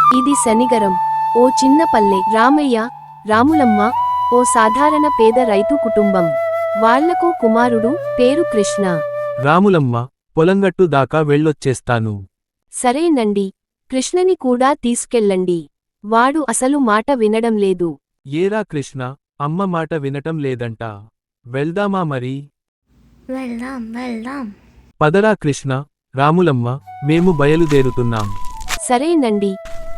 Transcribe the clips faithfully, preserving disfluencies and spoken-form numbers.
ఇది శనిగరం. ఓ చిన్న పల్లె. రామయ్య, రాములమ్మ ఓ సాధారణ పేద రైతు కుటుంబం. వాళ్లకు కుమారుడు, పేరు కృష్ణ. రాములమ్మ, పొలంగట్టు దాకా వెళ్ళొచ్చేస్తాను. సరేనండి. కృష్ణని కూడా తీసుకెళ్ళండి. వాడు అసలు మాట వినడం లేదు. ఏరా కృష్ణ, అమ్మ మాట వినటం లేదంట. వెళ్దామా మరి? వెళ్దాం వెళ్దాం. పదరా కృష్ణ, రాములమ్మ, మేము బయలుదేరుతున్నాం. సరేనండి.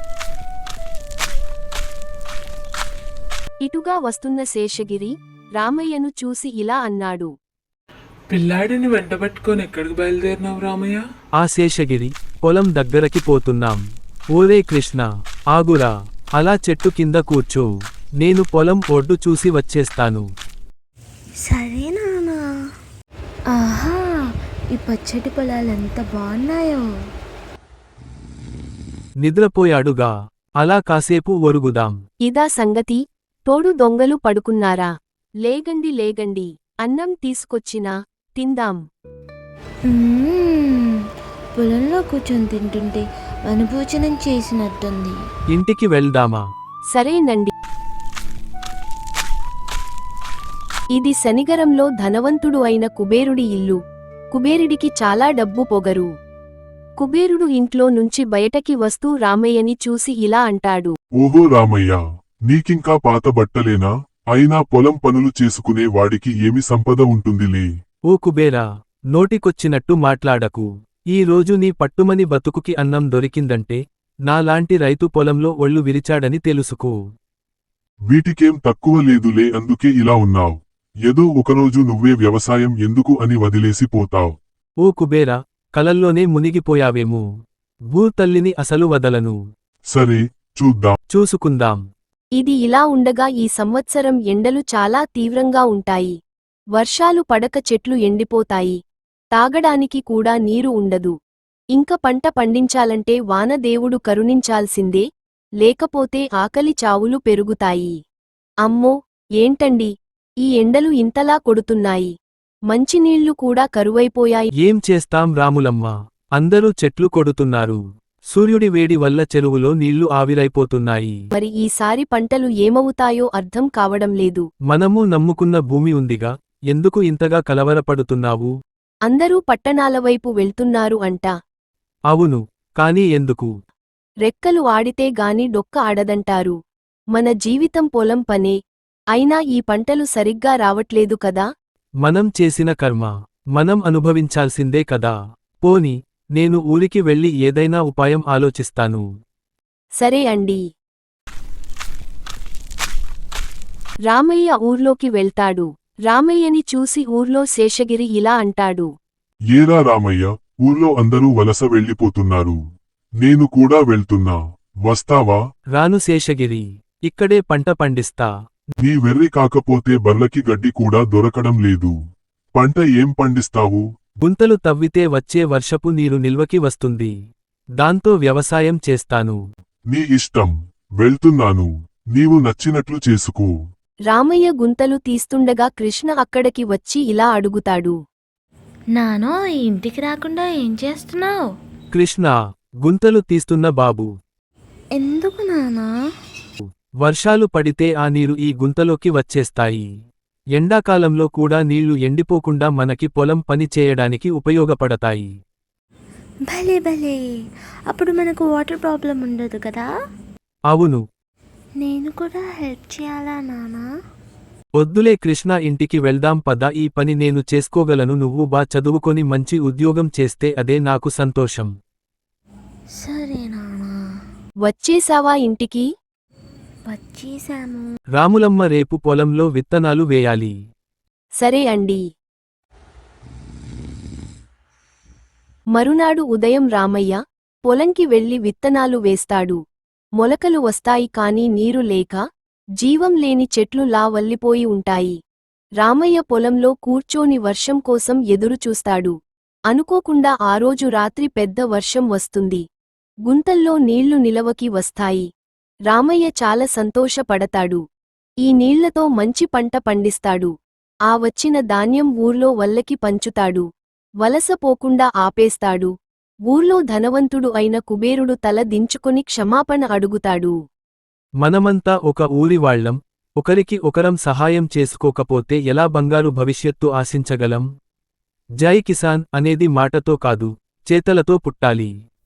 ఇటుగా వస్తున్న శేషగిరి, రామయ్యను చూసి ఇలా అన్నాడు. పిల్లాడిని వెంటబెట్టుకొని ఎక్కడికి బయలుదేరినావు రామయ్య? ఆ శేషగిరి, పొలం దగ్గరకి పోతున్నాం. ఓరే కృష్ణ, ఆగురా, అలా చెట్టు కింద కూర్చో. నేను పొలం ఒడ్డు చూసి వచ్చేస్తాను. సరే నానా. ఆహా, ఈ పచ్చటి పొలాలు ఎంత బాగున్నాయో. నిద్రపోయాడుగా, అలా కాసేపు ఒరుగుదాం. ఇదా సంగతి? తోడు దొంగలు పడుకున్నారా? లేగండి లేగండి, అన్నం తీసుకొచ్చినా తిందాం. మ్మ్, పొలంలో కూర్చొని తింటుంటే అనుభూచనం చేసినట్టుంది. ఇంటికి వెళ్దామా? సరేనండి. ఇది శనిగరంలో ధనవంతుడు అయిన కుబేరుడి ఇల్లు. కుబేరుడికి చాలా డబ్బు పొగరు. కుబేరుడు ఇంట్లో నుంచి బయటకి వస్తూ రామయ్యని చూసి ఇలా అంటాడు. ఓహో రామయ్య, నీకింకా పాత బట్టలేనా? అయినా పొలం పనులు చేసుకునే వాడికి ఏమి సంపద ఉంటుందిలే. ఓ కుబేరా, నోటికొచ్చినట్టు మాట్లాడకు. ఈ రోజు నీ పట్టుమని బతుకుకి అన్నం దొరికిందంటే నాలాంటి రైతు పొలంలో ఒళ్ళు విరిచాడని తెలుసుకో. వీటికేం తక్కువ లేదులే, అందుకే ఇలా ఉన్నావ్. ఏదో ఒకరోజు నువ్వే వ్యవసాయం ఎందుకు అని వదిలేసి పోతావ్. ఓ కుబేరా, కలల్లోనే మునిగిపోయావేమో. భూతల్లిని అసలు వదలను. సరే, చూద్దాం. చూసుకుందాం. ఇది ఇలా ఉండగా ఈ సంవత్సరం ఎండలు చాలా తీవ్రంగా ఉంటాయి. వర్షాలు పడక చెట్లు ఎండిపోతాయి. తాగడానికి కూడా నీరు ఉండదు. ఇంక పంట పండించాలంటే వానదేవుడు కరుణించాల్సిందే, లేకపోతే ఆకలి చావులు పెరుగుతాయి. అమ్మో, ఏంటండి, ఈ ఎండలు ఇంతలా కొడుతున్నాయి. మంచినీళ్లు కూడా కరువైపోయాయి. ఏం చేస్తాం రాములమ్మ, అందరూ చెట్లు కొడుతున్నారు. సూర్యుడి వేడి వల్ల చెరువులో నీళ్లు ఆవిరైపోతున్నాయి. మరి ఈసారి పంటలు ఏమవుతాయో అర్థం కావడం లేదు. మనము నమ్ముకున్న భూమి ఉందిగా, ఎందుకు ఇంతగా కలవరపడుతున్నావు? అందరూ పట్టణాలవైపు వెళ్తున్నారు అంట. అవును, కాని ఎందుకు? రెక్కలు ఆడితే గాని డొక్క ఆడదంటారు. మన జీవితం పొలం పనే. అయినా ఈ పంటలు సరిగ్గా రావట్లేదు కదా. మనం చేసిన కర్మ మనం అనుభవించాల్సిందే కదా. పోని, నేను ఊరికి వెళ్ళి ఏదైనా ఉపాయం ఆలోచిస్తాను. సరే అండి. రామయ్య ఊర్లోకి వెళ్తాడు. రామయ్యని చూసి ఊర్లో శేషగిరి ఇలా అంటాడు. ఏరా రామయ్య, ఊర్లో అందరూ వలస వెళ్ళిపోతున్నారు. నేను కూడా వెళ్తున్నా, వస్తావా? రాను శేషగిరి, ఇక్కడే పంట పండిస్తా. నీ వెర్రి కాకపోతే బర్లకి గడ్డి కూడా దొరకడం లేదు. పంట ఏం పండిస్తావు? గుంతలు తవ్వితే వచ్చే వర్షపు నీరు నిల్వకి వస్తుంది. దాంతో వ్యవసాయం చేస్తాను. నీ ఇష్టం, వెళ్తున్నాను. నీవు నచ్చినట్లు చేసుకో. రామయ్య గుంతలు తీస్తుండగా కృష్ణ అక్కడికి వచ్చి ఇలా అడుగుతాడు. నానో, ఈ ఇంటికి రాకుండా ఏం చేస్తున్నావు? కృష్ణ, గుంతలు తీస్తున్న బాబు. ఎందుకు నానా? వర్షాలు పడితే ఆ నీరు ఈ గుంతలోకి వచ్చేస్తాయి. ఎండాకాలంలో కూడా నీళ్లు ఎండిపోకుండా మనకి పొలం పని చేయడానికి ఉపయోగపడతాయి. భలే భలే, అప్పుడు మనకు వాటర్ ప్రాబ్లం ఉండదు కదా. అవును. నేను కూడా హెల్ప్ చేయాలా నానా? వద్దులే కృష్ణ, ఇంటికి వెళ్దాం పద. ఈ పని నేను చేసుకోగలను. నువ్వు బా చదువుకొని మంచి ఉద్యోగం చేస్తే అదే నాకు సంతోషం. సరే నానా. వచ్చేశావా ఇంటికి? వచ్చేశాము. రాములమ్మ, రేపు పొలంలో విత్తనాలు వేయాలి. సరే అండి. మరునాడు ఉదయం రామయ్య పొలంకి వెళ్లి విత్తనాలు వేస్తాడు. మొలకలు వస్తాయి కాని నీరు లేక జీవం లేని చెట్లు లా వల్లిపోయి ఉంటాయి. రామయ్య పొలంలో కూర్చోని వర్షం కోసం ఎదురుచూస్తాడు. అనుకోకుండా ఆ రోజు రాత్రి పెద్ద వర్షం వస్తుంది. గుంతల్లో నీళ్లు నిలవకి వస్తాయి. రామయ్య చాలా సంతోషపడతాడు. ఈ నీళ్లతో మంచి పంట పండిస్తాడు. ఆ వచ్చిన ధాన్యం ఊర్లో వల్లకి పంచుతాడు. వలస పోకుండా ఆపేస్తాడు. ఊర్లో ధనవంతుడు అయిన కుబేరుడు తల దించుకొని క్షమాపణ అడుగుతాడు. మనమంతా ఒక ఊరి వాళ్ళం, ఒకరికి ఒకరం సహాయం చేసుకోకపోతే ఎలా బంగారు భవిష్యత్తు ఆశించగలం? జై కిసాన్ అనేది మాటతో కాదు, చేతలతో పుట్టాలి.